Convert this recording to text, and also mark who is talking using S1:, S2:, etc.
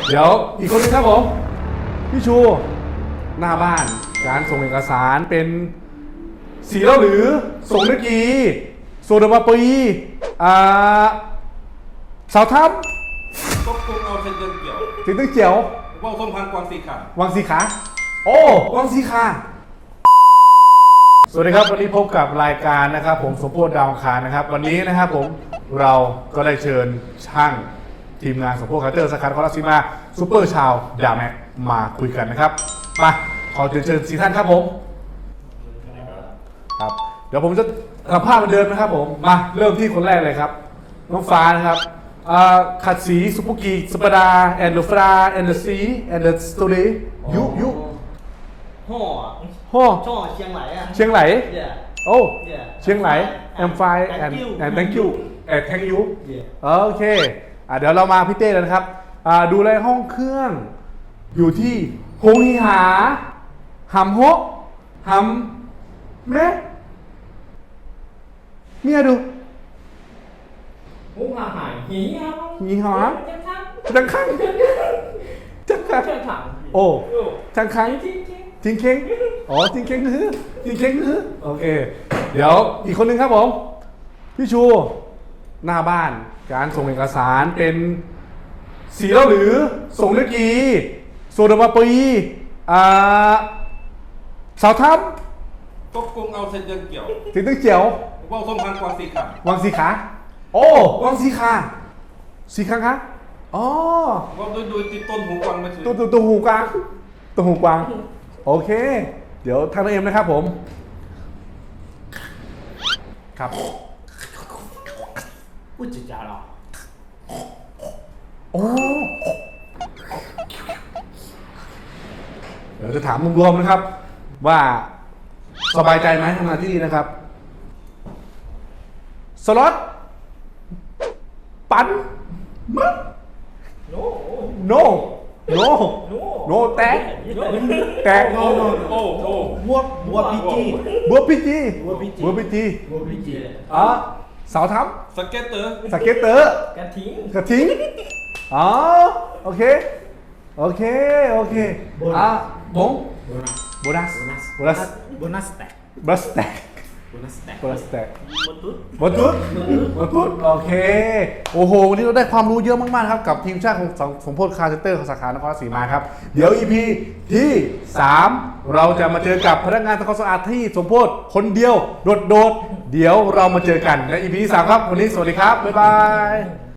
S1: เดี๋ยวอีกคนนึงครับผมพี่ชูหน้าบ้านการส่งเอกสารเป็นสีแล้วหรือส่งนักกีโซดามาปีสาวทับ
S2: ก็คงเอาเส้นเดินเกี่ยว
S1: สีตึ้งเจียว
S2: ว่าส้มพันกวางสีขาว
S1: วังสีขาโอ้วังสีขาสวัสดีครับวันนี้พบกับรายการนะครับผมสมโพธิดาวอังคารนะครับวันนี้นะครับผมเราก็ได้เชิญช่างทีมงานสมโพธิคาร์เตอร์สาขาคอร์ซีมาซูเปอร์ชาวดาแม็กมาคุยกันนะครับมาขอเชิญ4ท่านครับผมครับเดี๋ยวผมจะทำภาพเหมือนเดิมนะครับผมมาเริ่มที่คนแรกเลยครับน้องฟ้านะครับขัดสีซุปเปอร์กีสปาดาแอนด์ฟราแอนด์ซีแอนด์สตูดิยุ
S3: ห่อ
S1: โอ้
S3: ช่อเชียงไหลอ่ะ
S1: เชียงไหล
S3: yeah
S1: โอ้
S3: yeah
S1: เชียงไหลแอมไฟแอนด์ thank you แ thank you
S3: yeah
S1: โอเคเดี๋ยวเรามาพี่เต้แล้วนะครับดูแลห้องเครื่องอยู่ที่ฮงฮีหาหำฮกหำแม่เมียดู
S3: Hú hà hải hí không?
S1: ฮีหา
S3: Chắc khăn
S1: จังคังจังคัง
S3: Chắc thẳng
S1: โอ้จังคัง
S3: Chính chính
S1: ทิงเค้งอ๋อทิงเค้งฮือทิงเค้งฮือโอเคเดี๋ยวอีกคนนึงครับผมพี่ชูหน้าบ้านการส่งเอกสารเป็นสีแล้วหรือส่งนักกีโซดามาปีสาวทับ
S2: ก็คงเอาเส้นเดินเกี่ยว
S1: สีตึ้งเจียว
S2: ว่าส้มพันกวางสีขาว
S1: วังสีขาโอ้วังสีขาสีข้างคะอ๋อ
S2: ว่าโดยติดต้นหูกวางไม่ถือ
S1: ตัวหูกวางตัวหูกวางโอเคเดี๋ยวทางน้องเอ็มนะครับผมครับ
S3: Ui chà chà rồi
S1: โอ้เดี๋ยวจะถามรวมๆนะครับ ว่าสบายใจไหมทำงานที่นี่นะครับ สล็อตปันมั้ง
S3: No
S1: no no no แตกแตก
S2: โอ้โอ้โอ้
S3: Bua PG
S1: บัวพีจี
S3: บัว PG
S1: บัวพีจี
S3: Bua PG
S1: สาวทับ
S2: สเก็ตเตอร์
S1: สเก็ตเตอร์
S3: Cá thính
S1: กระทิงอ๋อโอเคโอเคโอเคบงโบนัส
S3: Bonus stack
S1: บัสแตก
S3: Bonus stack
S1: บัสแตก
S3: Một tút
S1: บนตุ๊ดบนตุ๊ดโอเคโอ้โหวันนี้เราได้ความรู้เยอะมากๆครับกับทีมชาติของสมโพธิคาร์เซ็นเตอร์ของสาขานครราชสีมาครับเดี๋ยว EP ที่ 3 เราจะมาเจอกับพนักงานทำความสะอาดที่สมโพธิคนเดียวโดดๆเดี๋ยวเรามาเจอกันใน EP ที่ 3 ครับวันนี้สวัสดีครับบ๊ายบาย